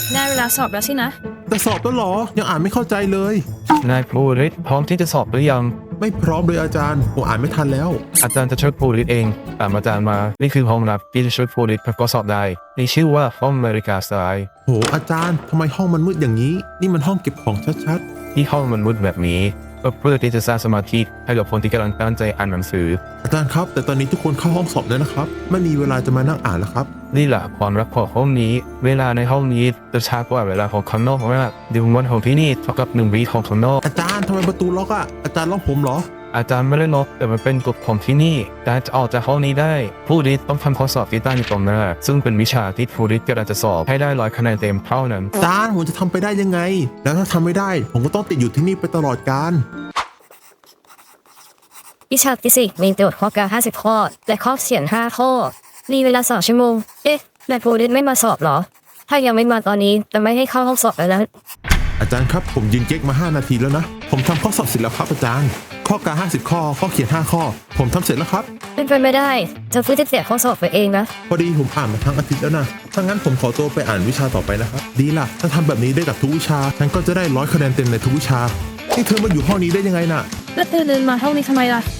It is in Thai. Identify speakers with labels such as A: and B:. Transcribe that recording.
A: ได้เวลาสอบแล้วสินะ
B: แต่สอบแล้วเหรอยังอ่านไม่เข้าใจเลย
C: นายภูริศพร้อมที่จะสอบหรือยัง
B: ไม่พร้อมเลยอาจารย์ผมอ่านไม่ทันแล้ว
C: อาจารย์จะช่วยภูริศเองตามอาจารย์มา นี่คือห้องรับที่จะช่วยภูริศประกอบสอบได้นี่ชื่อว่าห้องอเมริกาสไตล์
B: โหอาจารย์ทำไมห้องมันมืดอย่างนี้ นี่มันห้องเก็บของชัด
C: ที่ห้องมันมืดแบบนี้ก็เพื่อที่จะสร้างสมาธิให้กับคนที่กำลังตั้งใจอ่านหนังสือ
B: ๆอาจารย์ครับ แต่ตอนนี้ทุกคนเข้าห้องสอบแล้วนะครับไม่มีเวลาจะมานั่งอ่านแล้วครับ
C: นี่แหละความรักของห้องนี้ เวลาในห้องนี้จะช้ากว่าเวลาของข้างนอกมากเดี๋ยววันของที่นี่เท่ากับ1 วีของข้างนอก
B: อาจารย์ทำไมประตูล็อกอ่ะอาจารย์ล็อกผมเหรอ
C: อาจารย์ไม่ได้ล็อกแต่มันเป็นกฎของที่นี่การจะออกจากห้องนี้ได้ผู้ริดต้องทำข้อสอบที่ตั้งอยู่ตรงหน้าซึ่งเป็นวิชาที่ผู้ริดกำลังจะสอบให้ได้100 คะแนนเต็มเท่านั้น
B: อาจารย์ผมจะทำไปได้ยังไง แล้วถ้าทำไม่ได้ ผมก็ต้องติดอยู่ที่นี่ไปตลอดกาล
A: วิชาฟิสิกส์มีโจทย์ข้อกา50 ข้อ และข้อเขียน 5 ข้อ มีเวลา2 ชั่วโมง เอ๊ะนายภูริศไม่มาสอบเหรอ ถ้ายังไม่มาตอนนี้จะไม่ให้เข้าห้องสอบแล้วนะ
B: อาจารย์ครับผมยืนเก๊กมา5 นาทีแล้วนะผมทำข้อสอบเสร็จแล้วครับอาจารย์ข้อกา50 ข้อข้อเขียน5 ข้อ ผมทำเสร็จแล้วครับ
A: เป็นไปไม่ได้เธอเพิ่งจะเสียข้อสอบไปเองนะ
B: พอดีผมอ่านมาทั้งอาทิตย์แล้วนะถ้างั้นผมขอตัวไปอ่านวิชาต่อไปนะครับดีล่ะถ้าทำแบบนี้ได้กับทุกวิชาฉันก็จะได้100 คะแนนเต็มในทุกวิชานี่เธอมาอยู่ห้องนี้ได้ยังไงน่ะ
A: แล้วเธอเดินมาห้องนี้ทำไมล่ะ